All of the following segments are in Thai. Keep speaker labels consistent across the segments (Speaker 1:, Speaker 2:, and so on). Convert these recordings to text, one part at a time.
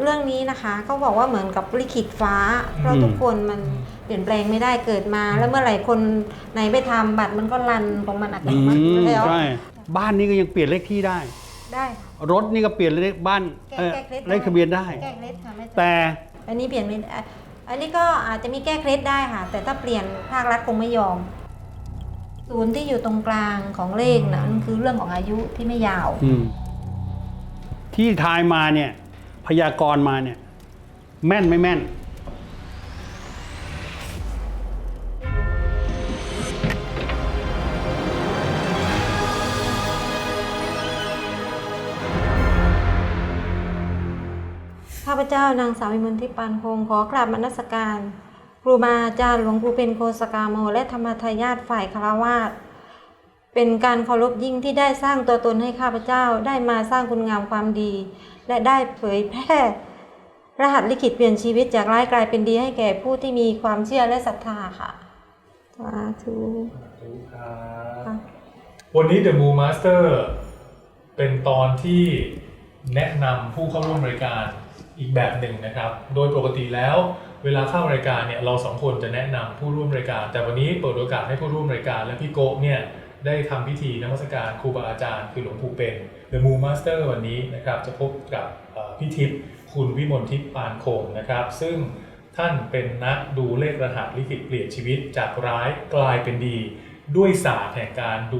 Speaker 1: รื่องนี้นะคะก็บอกว่าเหมือนกับลิขิตฟ้าเพราะทุกคนมันเปลี่ยนแปลงไม่ได้เกิดมา แล้วเมื่อไหร่คนไหนไปทำบัตรมันก็รันของมันอัตโนมัติแล้ว
Speaker 2: ใช่บ้านนี้ก็ยังเปลี่ยนเลขที่ได้รถนี่ก็เปลี่ยนเลขบ้านเลขทะเบียนได้
Speaker 1: แก้เคล็ดค่ะ
Speaker 2: แต่
Speaker 1: อันนี้เปลี่ยนไม่ได้อันนี้ก็อาจจะมีแก้เคล็ดได้ค่ะแต่ถ้าเปลี่ยนภาครัฐคงไม่ยอมศูนย์ที่อยู่ตรงกลางของเลขนะนั่นคือเรื่องของอายุที่ไม่ยาว
Speaker 2: ที่ทายมาเนี่ยพยากรณ์มาเนี่ยแม่นไม่แม่น
Speaker 1: ข้าพเจ้านางสาววิมลทิพย์ปานคงขอกราบนมัสการครูบาอาจารย์หลวงปู่เป็นโคสกาโมและธรรมทายาทฝ่ายฆราวาสเป็นการเคารพยิ่งที่ได้สร้างตัวตนให้ข้าพเจ้าได้มาสร้างคุณงามความดีและได้เผยแพร่รหัสลิขิตเปลี่ยนชีวิตจากร้ายกลายเป็นดีให้แก่ผู้ที่มีความเชื่อและศรัทธาค่ะสาธุ
Speaker 3: ครับวันนี้ The Moon Master เป็นตอนที่แนะนำผู้เข้าร่วมรายการอีกแบบหนึ่งนะครับโดยปกติแล้วเวลาเข้ารายการเนี่ยเราสองคนจะแนะนำผู้ร่วมรายการแต่วันนี้เปิดโอกาสให้ผู้ร่วมรายการและพี่โกะเนี่ยได้ทำพิธีนมัสการครูบาอาจารย์คือหลวงปู่เป็น The Moon Master วันนี้นะครับจะพบกับพี่ทิพย์คุณวิมลทิพย์ปานคงนะครับซึ่งท่านเป็นนักดูเลขรหัสลิขิตเปลี่ยนชีวิตจากร้ายกลายเป็นดีด้วยศาสตร์แห่งการดู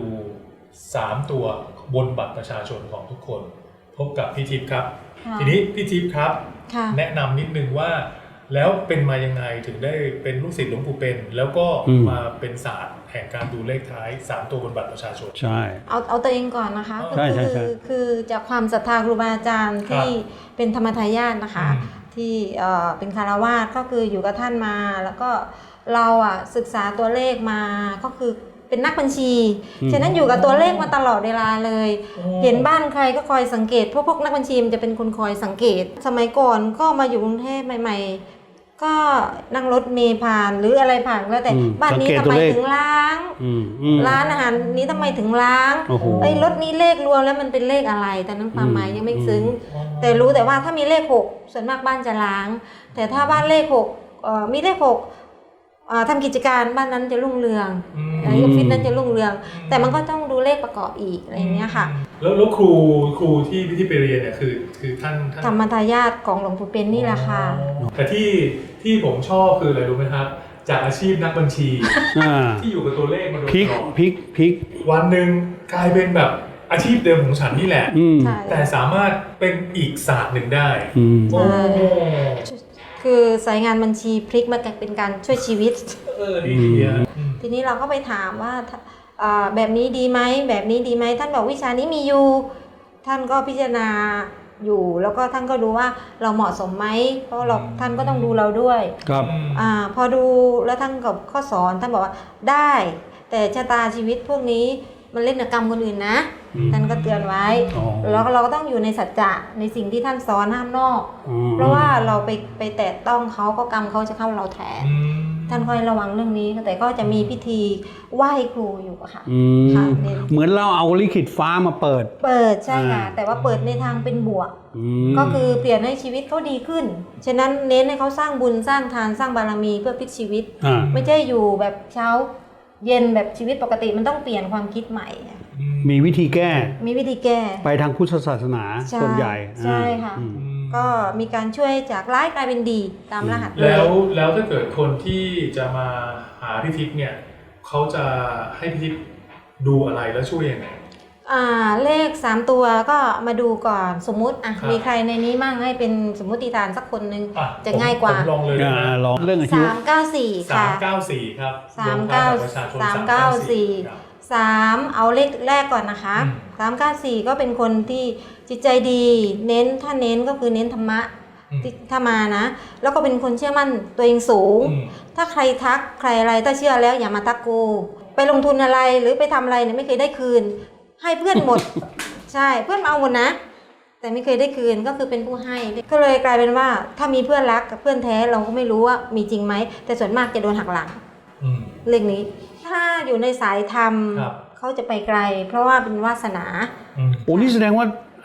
Speaker 3: 3ตัวบนบัตรประชาชนของทุกคนพบกับพี่ทิพย์ครับทีนี้พี่ทิพย์ครับแนะนำนิดนึงว่าแล้วเป็นมายังไงถึงได้เป็นลูกศิษย์หลวงปู่เป็นแล้วก็มาเป็นศาสตร์แห่งการดูเลขท้าย3ตัวบนบัตรประชาชน
Speaker 2: ใช่
Speaker 1: เอาตัวเองก่อนนะคะคือจากความศรัทธาครูบาอาจารย์ที่เป็นธรรมทายาทนะคะที่เป็นคารวาสก็คืออยู่กับท่านมาแล้วก็เราศึกษาตัวเลขมาก็คือเป็นนักบัญชีฉะนั้นอยู่กับตัวเลขมาตลอดเวลาเลยเห็นบ้านใครก็คอยสังเกตพวกนักบัญชีมันจะเป็นคนคอยสังเกตสมัยก่อนก็มาอยู่กรุงเทพใหม่ๆก็นั่งรถเมล์ผ่านหรืออะไรผ่านแล้วแต่บ้านนี้ทำไมถึงล้างร้านอาหารนี้ทำไมถึงล้างรถนี้เลขรวมแล้วมันเป็นเลขอะไรแต่นั้นความหมายยังไม่ซึ้งแต่รู้แต่ว่าถ้ามีเลข6ส่วนมากบ้านจะล้างแต่ถ้าบ้านเลข6มีเลข6ทำกิจการบ้านนั้นจะรุ่งเรืองออฟฟิศนั้นจะรุ่งเรืองแต่มันก็ต้องดูเลขประกอบอีกอะไรอย่างเงี้ยค่ะ
Speaker 3: แล้วครูที่ไปเรียนเนี่ยคือท่าน
Speaker 1: ธรรมทายาทของหลวงปู่เป็นนี่แหละค่ะ
Speaker 3: แต่ที่ผมชอบคืออะไรรู้ไหมครับจากอาชีพนักบัญชีที่อยู่กับตัวเลขมาโดยตลอด
Speaker 2: พลิก
Speaker 3: วันหนึ่งกลายเป็นแบบอาชีพเดิมของฉันนี่แหละแต่สามารถเป็นอีกศาสตร์หนึ่งได้
Speaker 1: คือสายงานบัญชีพลิกมาเป็นการช่วยชีวิต
Speaker 3: ดี
Speaker 1: ทีนี้เราก็ไปถามว่าแบบนี้ดีไหมแบบนี้ดีไหมท่านบอกวิชานี้มีอยู่ท่านก็พิจารณาอยู่แล้วก็ท่านก็ดูว่าเราเหมาะสมไหมเพราะท่านก็ต้องดูเราด้วย
Speaker 2: ครับ
Speaker 1: พอดูแล้วท่านกับข้อสอนท่านบอกว่าได้แต่ชะตาชีวิตพวกนี้มันเล่นกับกรรมคนอื่นนะท่านก็เตือนไว้แล้วเราก็ต้องอยู่ในสัจจะในสิ่งที่ท่านสอนห้ามนอกเพราะว่าเราไปแตะต้องเขาก็กรรมเขาจะเข้าเราแทนท่านคอยระวังเรื่องนี้แต่ก็จะมีพิธีไหว้ครูอยู่ค่ะ
Speaker 2: เหมือนเราเอาลิขิตฟ้ามาเปิด
Speaker 1: ใช่ค่ะแต่ว่าเปิดในทางเป็นบวกก็คือเปลี่ยนให้ชีวิตเขาดีขึ้นฉะนั้นเน้นให้เขาสร้างบุญสร้างทานสร้างบารมีเพื่อพลิกชีวิตไม่ใช่อยู่แบบเช้าเย็นแบบชีวิตปกติมันต้องเปลี่ยนความคิดใหม่
Speaker 2: มีวิธีแก้ไปทางพุทธศาสนาส่วนใหญ่
Speaker 1: ใช่ค่ะก็มีการช่วยจากร้ายกลายเป็นดีตามรหัส
Speaker 3: แล้วถ้าเกิดคนที่จะมาหาพี่ทิพย์เนี่ยเขาจะให้พี่ทิพย์ดูอะไรแล้วช่วยยังไง
Speaker 1: เลข3ตัวก็มาดูก่อนสมมุติมีใครในนี้มั่งให้เป็นสมมุติฐานสักคนนึงจะง่ายกว่า
Speaker 3: ลองเลย
Speaker 2: ลองเรื่องอายุ
Speaker 1: 394ค่ะ
Speaker 3: 394ครับ
Speaker 1: 394 3เอาเลขแรกก่อนนะคะ394ก็เป็นคนที่จิตใจดีถ้าเน้นก็คือเน้นธรรมะถ้ามานะแล้วก็เป็นคนเชื่อมั่นตัวเองสูงถ้าใครทักใครอะไรถ้าเชื่อแล้วอย่ามาทักกูไปลงทุนอะไรหรือไปทำอะไรเนี่ยไม่เคยได้คืนให้เพื่อนหมดใช่เพื่อนเอาหมดนะแต่ไม่เคยได้คืนก็คือเป็นผู้ให้ก็เลยกลายเป็นว่าถ้ามีเพื่อนรักกับเพื่อนแท้เราก็ไม่รู้ว่ามีจริงไหมแต่ส่วนมากจะโดนหักหลังเรื่องนี้ถ้าอยู่ในสายธรรมเขาจะไปไกลเพราะว่าเป็นวาสนา
Speaker 2: โอ้นี่แสดงว่า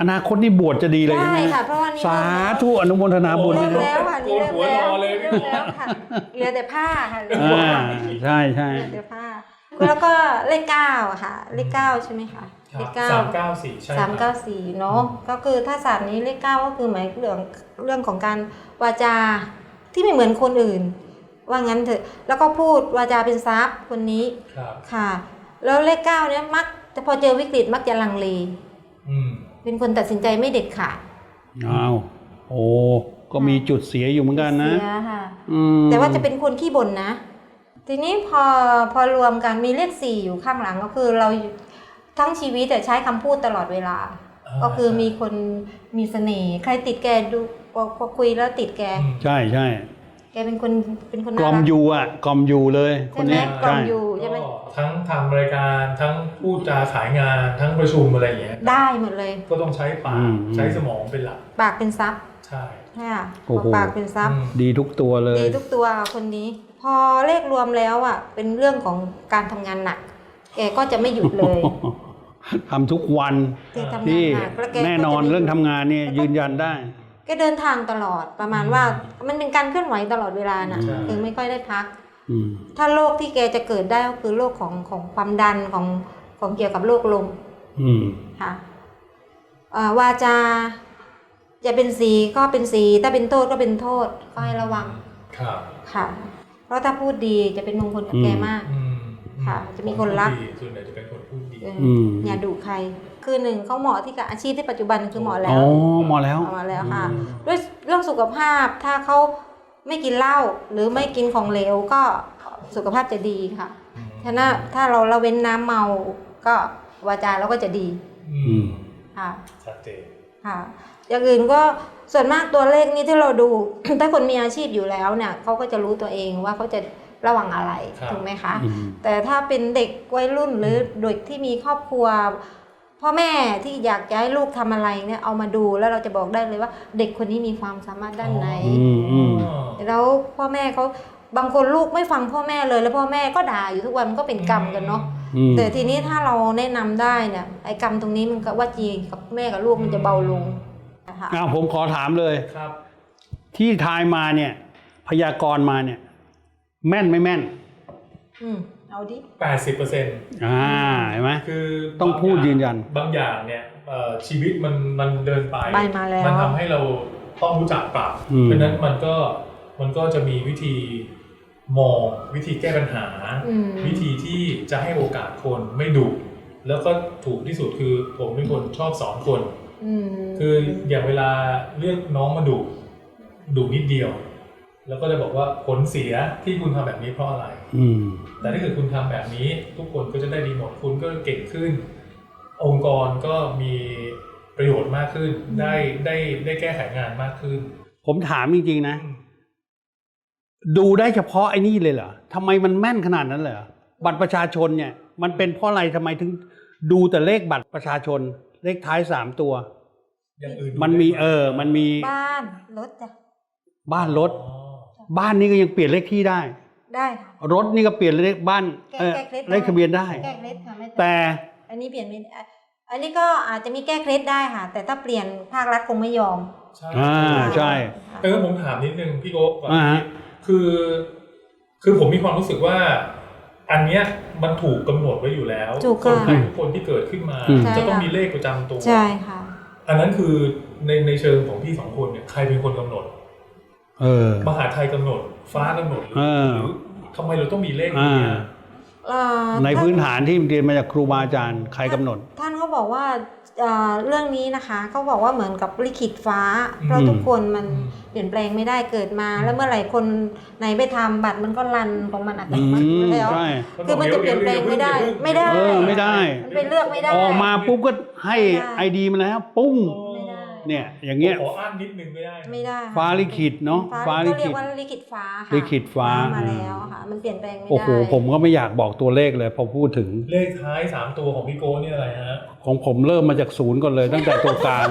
Speaker 2: อนาคตนี่บวชจะดีเลย
Speaker 1: ใช่
Speaker 2: ไหม
Speaker 1: ค่ะเพราะว่านี่
Speaker 2: สาธุอนุโมทนาบุญ
Speaker 1: เริ่
Speaker 2: ด้วย
Speaker 1: ม
Speaker 2: นะ
Speaker 1: แล้วค่ะนี่
Speaker 3: โกนหัวรอเลย
Speaker 1: เริ่มแล้วค่ะเหลือแต่ผ้าค่ะเหลือ
Speaker 2: ใช่ใช่
Speaker 1: แต่ผ้าแล้วก็เลข9อะค่ะเลข9ใช่ไหมคะ
Speaker 3: ค
Speaker 1: เล
Speaker 3: รับ
Speaker 1: ข9
Speaker 3: 394ใช่ครับ
Speaker 1: 394เนาะก็คือถ้าศาสตร์นี้เลข9ก็คือหมายเรื่องของการวาจาที่ไม่เหมือนคนอื่น ว่างั้นเถอะแล้วก็พูดวาจาเป็นทรัพย์คนนี้
Speaker 3: ครับ
Speaker 1: ค่ะ แล้วเลข9เนี่ยมักจะพอเจอวิกฤตมักจะลังเล
Speaker 3: อืม
Speaker 1: เป็นคนตัดสินใจไม่เด็ดขาด
Speaker 2: อ้าวโอ้ก็มีจุดเสียอยู่เหมือนกันนะ
Speaker 1: เสียค่ะ
Speaker 2: ม
Speaker 1: แต่ว่าจะเป็นคนขี้บ่นนะ ทีนี้พอรวมกันมีเลข4อยู่ข้างหลังก็คือเราทั้งชีวิตแต่ใช้คำพูดตลอดเวลา ก็คือมีคนมีเสน่ห์ใครติดแกดูพอคุยแล้วติดแก
Speaker 2: ใช่ใช่
Speaker 1: แกเป็นคน
Speaker 2: กลอม
Speaker 1: น่ารัก
Speaker 2: ยูอ่ะกลอมยูเลยคน
Speaker 1: ใช่ไหม
Speaker 2: เนี้ย
Speaker 1: กลอ
Speaker 2: ใช่
Speaker 1: มอยู่ใช่ไหม
Speaker 3: ก็ทั้งทำรายการทั้งพูดจาขายงานทั้งประชุมอะไรอย่างเงี้ย
Speaker 1: ได้หมดเลย
Speaker 3: ก็ต้องใช้ปากใช้สมองเป็นหลัก
Speaker 1: ปากเป็นทรัพย์
Speaker 3: ใช่
Speaker 1: ใช่ค่ะปากเป็นทรัพย์
Speaker 2: ดีทุกตัวเลย
Speaker 1: ดีทุกตัวคนนี้ พอเลขรวมแล้วอ่ะเป็นเรื่องของการทำงานหนัก แกก็จะไม่หยุดเลย
Speaker 2: ทำทุกวัน
Speaker 1: แกทำงาน
Speaker 2: ที่
Speaker 1: หนักแล้วแกก็จะ
Speaker 2: แน่นอน
Speaker 1: ไม่หยุด
Speaker 2: เรื่องทำงานเนี่ยยืนยันได้
Speaker 1: แกเดินทางตลอดประมาณว่ามันเป็นการเคลื่อนไหวตลอดเวลาน่ะคือไม่ค่อยได้พัก
Speaker 2: อืม
Speaker 1: ถ้าโรคที่แกจะเกิดได้ก็คือโรคของความดันของเกี่ยวกับโรคลม
Speaker 2: อืม
Speaker 1: ค่ะวาจาจะเป็นสีก็เป็นสีถ้าเป็นโทษก็เป็นโทษก็ให้ระวัง
Speaker 3: ครับ
Speaker 1: ค่ะ เพราะถ้าพูดดีจะเป็นมงคลกับแกมาก
Speaker 3: อืม
Speaker 1: ค่ะจะมีคนรัก
Speaker 3: พูดดีส่วนใหญ่จะเป็นคนพูดดี
Speaker 1: อย่าดุใคร คือหนึ่งเขาเหมาะที่กับอาชีพที่ปัจจุบันคือเหมาะแล้
Speaker 2: อ๋
Speaker 1: ว
Speaker 2: อมาแล้ว
Speaker 1: เอามาแล้วค่ะ ด้วยเรื่องสุขภาพถ้าเขาไม่กินเหล้าหรือไม่กินของเหลวก็สุขภาพจะดีค่ะฉะนั้นถ้าเราละเว้นน้ำเมาก็วาจาเราก็จะดี
Speaker 3: อืม
Speaker 1: ค่ะ
Speaker 3: ชัดเจน
Speaker 1: ค่ะ อย่างอื่นก็ส่วนมากตัวเลขนี้ที่เราดู ถ้าคนมีอาชีพอยู่แล้วเนี่ยเขาก็จะรู้ตัวเองว่าเขาจะระวังอะไรถูกไหมคะ
Speaker 2: อืม
Speaker 1: แต่ถ้าเป็นเด็กวัยรุ่นหรือเด็กที่มีครอบครัว พ่อแม่ที่อยากจะให้ลูกทำอะไรเนี่ยเอามาดูแล้วเราจะบอกได้เลยว่าเด็กคนนี้มีความสามารถด้านไหน แล้วพ่อแม่เขาบางคนลูกไม่ฟังพ่อแม่เลยแล้วพ่อแม่ก็ด่าอยู่ทุกวันมันก็เป็นกรรมกันเนาะ
Speaker 2: อืม
Speaker 1: แต่ทีนี้ถ้าเราแนะนำได้เนี่ยไอ้กรรมตรงนี้มันก็ว่าจีกับแม่กับลูกมันจะเบาลงนะคะ
Speaker 2: อ้าวผมขอถามเลย
Speaker 3: ครับ
Speaker 2: ที่ทายมาเนี่ยพยากรณ์มาเนี่ย แม่นไม่แม่น
Speaker 1: เอาดิ
Speaker 3: 80%
Speaker 2: เห็นไหม
Speaker 3: คือ
Speaker 2: ต้องพูดยืนยัน
Speaker 3: บางอย่างเนี่ยชีวิตมันเดินไป
Speaker 1: ไปมาแล้ว
Speaker 3: มันทำให้เราต้องรู้จักปรับ เพราะฉะนั้นมันก็จะมีวิธีมองวิธีแก้ปัญหา วิธีที่จะให้โอกาสคนไม่ดุแล้วก็ถูกที่สุดคือผมเป็นคนชอบสอนคน คืออย่างเวลาเรียกน้องมาดุนิดเดียว แล้วก็จะบอกว่าผลเสียที่คุณทำแบบนี้เพราะอะไร
Speaker 2: อืม
Speaker 3: แต่ถ้าเกิดคุณทำแบบนี้ทุกคนก็จะได้ดีหมดคุณก็เก่งขึ้น องค์กรก็มีประโยชน์มากขึ้น ได้แก้ไขงานมากขึ้น
Speaker 2: ผมถามจริงๆนะ ดูได้เฉพาะไอ้นี่เลยเหรอทำไมมันแม่นขนาดนั้นเลยเหรอบัตรประชาชนเนี่ย มันเป็นเพราะอะไรทำไมถึงดูแต่เลขบัตรประชาชน เลขท้าย3 ตัว
Speaker 3: อย่างอื่น
Speaker 2: มันมีมันมี
Speaker 1: บ้านรถจ้ะ
Speaker 2: บ้านรถ
Speaker 3: อ๋อ
Speaker 2: บ้านนี่ก็ยังเปลี่ยนเลขที่ได้
Speaker 1: ได้ค่ะ
Speaker 2: รถนี่ก็เปลี่ยนเลขบ้าน
Speaker 1: แก้เคล็ด
Speaker 2: เลขทะเบียนได้
Speaker 1: แก้เคล็ดค่ะไม่
Speaker 2: แต่
Speaker 1: อันนี้เปลี่ยนไม่ได้อันนี้ก็อาจจะมีแก้เคล็ดได้ค่ะ แต่ถ้าเปลี่ยนภาครัฐคงไม่ยอม
Speaker 3: ใช่
Speaker 2: ใช่
Speaker 3: แต่ก็ผมถามนิดนึงพี่โก้ก่อน
Speaker 2: ฮะ
Speaker 3: คือผมมีความรู้สึกว่า อันเนี้ยมันถูกกำหนดไว้อยู่แล้ว
Speaker 1: ถูก
Speaker 3: คน
Speaker 1: ค่ะ
Speaker 3: ไทยทุกคนที่เกิดขึ้นมา จะต้องมีเลขประจำตัว
Speaker 1: ใช่ค่ะ
Speaker 3: อันนั้นคือในเชิงของพี่2 คนเนี่ยใครเป็นคนกำหนด มหาไทยกำหนด ฟ้ากำหนดหรือทำไมเราต้องมีเลขนี้อะ
Speaker 2: ในพื้นฐานที่เรียนมาจากครูบาอาจารย์ใครกำหนด
Speaker 1: ท่านก็บอกว่าเรื่องนี้นะคะเขาบอกว่าเหมือนกับลิขิตฟ้า เพราะทุกคนมันเปลี่ยนแปลงไม่ได้เกิดมา แล้วเมื่อไหร่คนไหนไปทำบัตรมันก็รันของมันอัตโนมัติอยู่แล้ว
Speaker 2: ใช่
Speaker 1: คือมันจะเปลี่ยนแปลงไม่ได้ ไม่ได้
Speaker 2: ไม่ได้
Speaker 1: มันไปเลือกไม่ได้
Speaker 2: ออกมาปุ๊บก็ให้
Speaker 1: ไม่ได้
Speaker 2: ไอดีมาแล้วปุ้ง
Speaker 1: ไม่ได้
Speaker 2: เนี่ยอย่างเงี้ย
Speaker 3: ขออ่านนิดนึงไม่ได้
Speaker 1: ไม่ได้
Speaker 2: ฟ้าลิขิตเนาะฟ้าลิ
Speaker 1: ก็เรีย
Speaker 2: ขิ
Speaker 1: ก
Speaker 2: ต
Speaker 1: ว่าลิขิตฟ้าค่ะ
Speaker 2: ลิขิตฟ้า
Speaker 1: มาแล้วค่ะ มันเปลี่ยนแปลงไม่ได้
Speaker 2: โอ้โหผมก็ไม่อยากบอกตัวเลขเลยพอพูดถึง
Speaker 3: เลขท้าย3 ตัวของพี่โก้นี่อะไรฮะ
Speaker 2: ของผมเริ่มมาจาก0ก่อนเลย ตั้งแต่ตัวกลาง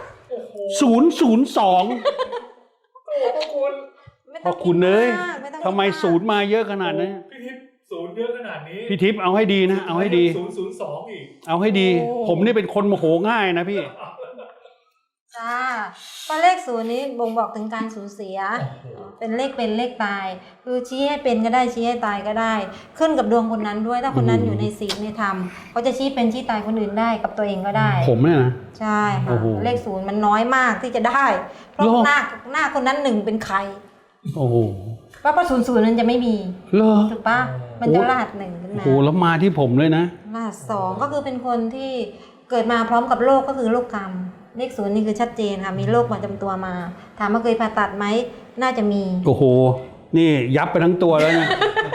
Speaker 2: 002
Speaker 3: โอ้คุณ
Speaker 2: พอคุณเอ้ย
Speaker 1: ไม่ต้อง
Speaker 2: ทำไม
Speaker 1: คิดาก
Speaker 2: 0มาเยอะขนาดนี้
Speaker 3: พี่ทิพย์0เยอะขนาดนี้
Speaker 2: พี่ทิพย์เอาให้ดีนะ เอาให้ดี
Speaker 3: 002อีก
Speaker 2: เอาให้ดี ผมนี่เป็นคนโมโหง่ายนะพี่
Speaker 1: จ้าก็เลขศูนย์นี้บ่งบอกถึงการสูญเสีย เป็นเลขเป็นเลขตาย คือชี้ให้เป็นก็ได้ชี้ให้ตายก็ได้ ขึ้นกับดวงคนนั้นด้วยถ้าคนนั้นอยู่ในศีลในธรรมเขาจะชี้เป็นชี้ตายคนอื่นได้กับตัวเองก็ได้
Speaker 2: ผมเนี่ยนะ
Speaker 1: ใช่ค่ะ
Speaker 2: โอ้โห
Speaker 1: เลขศูนย์มันน้อยมากที่จะได้เพราะ
Speaker 2: เหรอ
Speaker 1: หน้าคนนั้นหนึ่งเป็นใคร
Speaker 2: โอ้โห
Speaker 1: เพราะศูนย์ศูนย์นั้นจะไม่มี
Speaker 2: เหรอ
Speaker 1: ถูกปะมันจะรหัสหนึ่งขึ้น
Speaker 2: โอ้
Speaker 1: มา
Speaker 2: โหแล้วมาที่ผมเลยนะ
Speaker 1: รหัสสองก็คือเป็นคนที่เกิดมาพร้อมกับโรคก็คือโรคกรรมเลขศูนย์นี่คือชัดเจนค่ะมีโรคประจำตัวมา ถามว่าเคยผ่าตัดไหมน่าจะมี
Speaker 2: โอ้โห นี่ยับไปทั้งตัวแล้วเนี่ย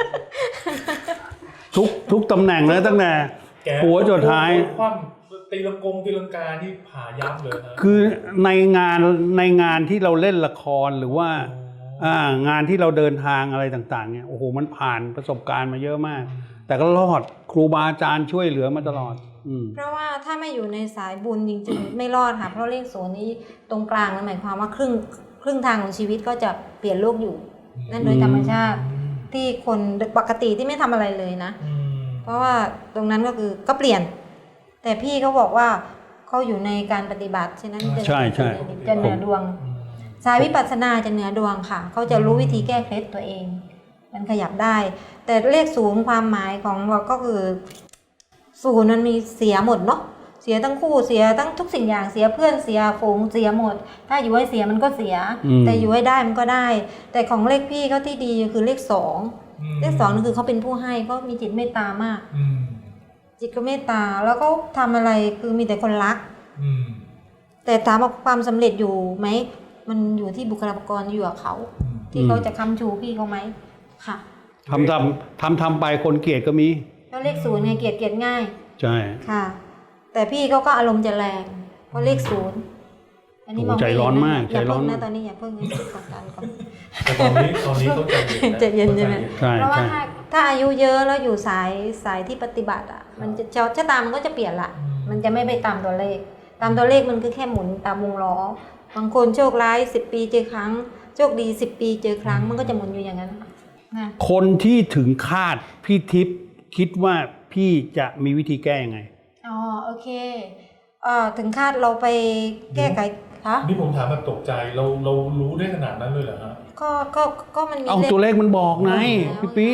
Speaker 2: ทุกตำแหน่งแล้วตั้งแต่
Speaker 3: แก
Speaker 2: หัวจนท้าย
Speaker 3: คว่ำตีลังกาที่ผ่ายับเลยนะ
Speaker 2: คือในงานที่เราเล่นละครหรือว่า งานที่เราเดินทางอะไรต่างๆเนี่ยโอ้โหมันผ่านประสบการณ์มาเยอะมาก แต่ก็รอดครูบาอาจารย์ช่วยเหลือมาตลอด
Speaker 1: เพราะว่าถ้าไม่อยู่ในสายบุญจริงๆ ไม่รอดค่ะเพราะเลขศูนย์นี้ตรงกลางนั่นหมายความว่าครึ่งทางของชีวิตก็จะเปลี่ยนโลกอยู่ นั่นโดยธรรมชาติที่คนปกติที่ไม่ทำอะไรเลยนะ เพราะว่าตรงนั้นก็คือก็เปลี่ยน แต่พี่เขาบอกว่าเขาอยู่ในการปฏิบัติฉะนั้นจะ
Speaker 2: ใช่ใช่
Speaker 1: จะเหนือดวง สายวิปัสสนาจะเหนือดวงค่ะเขาจะรู้วิธีแก้เคล็ดตัวเอง มันขยับได้ แต่เลขศูนย์ความหมายของเราก็คือศูนย์มันมีเสียหมดเนาะเสียทั้งคู่เสียทั้งทุกสิ่งอย่างเสียเพื่อนเสียฝูงเสียหมด ถ้าอยู่ให้เสียมันก็เสีย แต่อยู่ให้ได้มันก็ได้ แต่ของเลขพี่เขาที่ดีคือเลขสองเลขสองนั่นคือเขาเป็นผู้ให้เขามีจิตเมตตามากจิตก็เมตตาแล้วก็ทำอะไรคือมีแต่คนรักแต่ถามว่าความสำเร็จอยู่ไหมมันอยู่ที่บุคลากรอยู่กับเขาที่เขาจะค้ำชูพี่เขาไหมค่ะ
Speaker 2: ทำไปคนเกลียดก็มี
Speaker 1: ก็เลขศูนย์ไงเกลียดง่าย
Speaker 2: ใช่
Speaker 1: ค่ะ แต่พี่เขาก็อารมณ์จะแรงเพราะเลขศูนย์อันนี้มอง
Speaker 2: ใจร้อนมาก
Speaker 1: อย่า
Speaker 2: ใจร้
Speaker 1: เพิ่
Speaker 2: อน
Speaker 1: ง
Speaker 2: มา
Speaker 1: นะ
Speaker 2: ก
Speaker 1: ตอนนี้อย่าเพิ่งกดดันก่อน
Speaker 3: แต่ตอนนี้เขาใจเย็นนะ
Speaker 1: ใจเย็นใช่ไหม
Speaker 2: ใช่
Speaker 1: เพราะว่า
Speaker 2: ใช่
Speaker 1: ถ้าอายุเยอะแล้วอยู่สายที่ปฏิบัติอ่ะมันจะชะตามันก็จะเปลี่ยนละมันจะไม่ไปตามตัวเลขมันคือแค่หมุนตามวงล้อบางคนโชคร้าย10 ปีเจอครั้งโชคดี10 ปีเจอครั้งมันก็จะหมุนอยู่อย่างนั้นนะ
Speaker 2: คนที่ถึงคาดพี่ทิพย์คิดว่าพี่จะมีวิธีแก้ยังไง
Speaker 1: อ๋อโอเคถึงคาดเราไปแก้ไขคะ
Speaker 3: นี่ผมถามแบบตกใจเรารู้ได้ขนาดนั้นเลยเหรอฮะ
Speaker 1: ก็มันมี
Speaker 2: เอาตัวเลขมันบอกไงพี่ปิ๊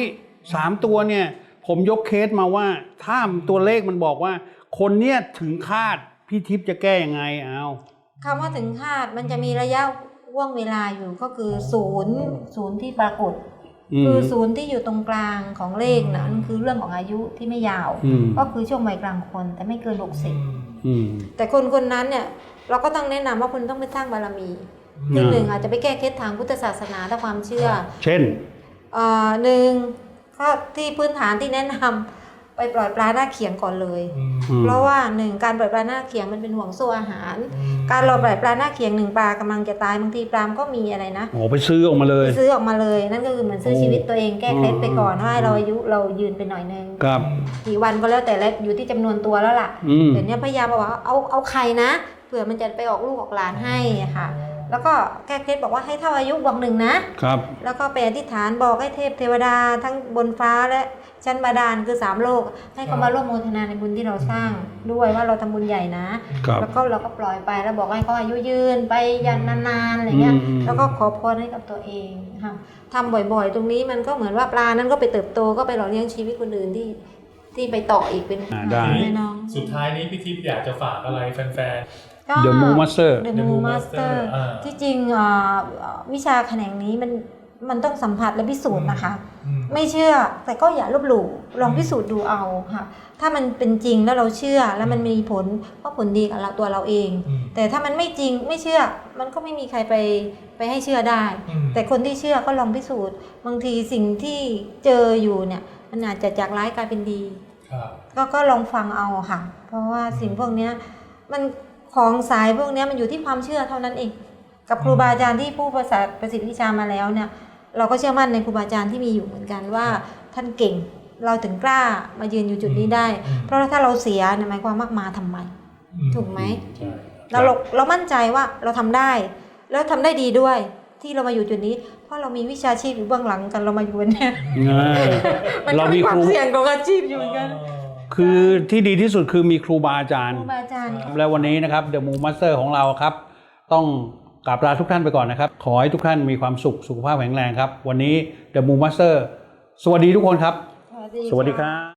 Speaker 2: 3 ตัวเนี่ย ผมยกเคสมาว่าถ้าตัวเลขมันบอกว่า คนเนี้ยถึงคาดพี่ทิพย์จะแก้ยังไงเอา
Speaker 1: คำว่าถึงคาดมันจะมีระยะว่วงเวลาอยู่ก็คือศูนย์ที่ปรากฏ คือศูนย์ที่อยู่ตรงกลางของเลขนะนั่นคือเรื่องของอายุที่ไม่ยาว ก็คือช่วงวัยกลางคนแต่ไม่เกิน60แต่คนนั้นเนี่ยเราก็ต้องแนะนำว่าคุณต้องไปสร้างบารมีคือหนึ่งอาจจะไปแก้เคล็ดทางพุทธศาสนาถ้าความเชื่อ
Speaker 2: เช่น
Speaker 1: หนึ่งก็ที่พื้นฐานที่แนะนำไปปล่อยปลาหน้าเขียงก่อนเลย เพราะว่าหนึ่งการปล่อยปลาหน้าเขียงมันเป็นห่วงโซ่อาหาร การเราปล่อยปลาหน้าเขียง1 ปลากำลังจะตายบางทีปลามก็มีอะไรนะ
Speaker 2: โอ้ไปซื้อออกมาเลย
Speaker 1: ซื้อออกมาเลยนั่นก็คือเหมือนซื้อชีวิตตัวเองแก้เคล็ดไปก่อนว่าเราอายุเรายืนไปหน่อยนึง
Speaker 2: ครับ
Speaker 1: กี่วันก็แล้วแต่แล้วอยู่ที่จำนวนตัวแล้วล่ะเดี๋ยวนี้พยายามบอกว่าเอาไข่นะเผื่อมันจะไปออกลูกออกหลานให้ค่ะแล้วก็แก้เคล็ดบอกว่าให้เท่าอายุบอก1นะครับแล้วก็ไปอธิษฐานบอกให้เทพเทวดาทั้งบนฟ้าและชั้นบาดาลคือ3 โลกให้เขามาร่วมโมทนาในบุญที่เราสร้างด้วยว่าเราทำบุญใหญ่นะแล้วก็เราก็ปล่อยไปแล้วบอกให้เขาอายุยืนไปยันนานๆอะไรเงี้ยแล้วก็ขอพรให้กับตัวเองค่ะทำบ่อยๆตรงนี้มันก็เหมือนว่าปลานั้นก็ไปเติบโตก็ไปหล่อเลี้ยงชีวิตคนอื่นที่ไปต่ออีกเป็น
Speaker 2: ได้
Speaker 1: น้อง
Speaker 3: สุดท้ายนี้พี่ทิพย์อยากจะฝากอะไรแฟน
Speaker 2: The Moon Master
Speaker 1: The Moon Master ที่จริงวิชาแขนงนี้มันต้องสัมผัสและพิสูจน์นะคะไม่เชื่อแต่ก็อย่าลบหลู่ลองพิสูจน์ดูเอาค่ะถ้ามันเป็นจริงแล้วเราเชื่อแล้วมันมีผลก็ผลดีกับเราตัวเราเองแต่ถ้ามันไม่จริงไม่เชื่อมันก็ไม่มีใครไปให้เชื่อได้แต่คนที่เชื่อก็ลองพิสูจน์บางทีสิ่งที่เจออยู่เนี่ยมันอาจจะจากร้ายกลายเป็นดีก็ลองฟังเอาค่ะเพราะว่าสิ่งพวกนี้มันของสายพวกนี้มันอยู่ที่ความเชื่อเท่านั้นเองกับครูบาอาจารย์ที่ผู้ประสิทธิวิชามาแล้วเนี่ยเราก็เชื่อมั่นในครูบาอาจารย์ที่มีอยู่เหมือนกันว่าท่านเก่งเราถึงกล้ามายืนอยู่จุดนี้ได้เพราะถ้าเราเสียหมายความมาทำไมถูกไหมเรามั่นใจว่าเราทำได้แล้วทำได้ดีด้วยที่เรามาอยู่จุดนี้เพราะเรามีวิชาชีพอยู่เบื้องหลังกันเรามาอยู่เนี่ยมันก็มีความเสี่ยงของอาชีพอยู่เหมือนกัน
Speaker 2: คือที่ดีที่สุดคือมีครูบาอาจารย์
Speaker 1: ครูบาอาจารย์
Speaker 2: แล้ววันนี้นะครับ The Moon Master ของเราครับต้องกราบลาทุกท่านไปก่อนนะครับขอให้ทุกท่านมีความสุขสุขภาพแข็งแรงครับวันนี้ The Moon Master สวัสดีทุกคนครับสวัสดีครับ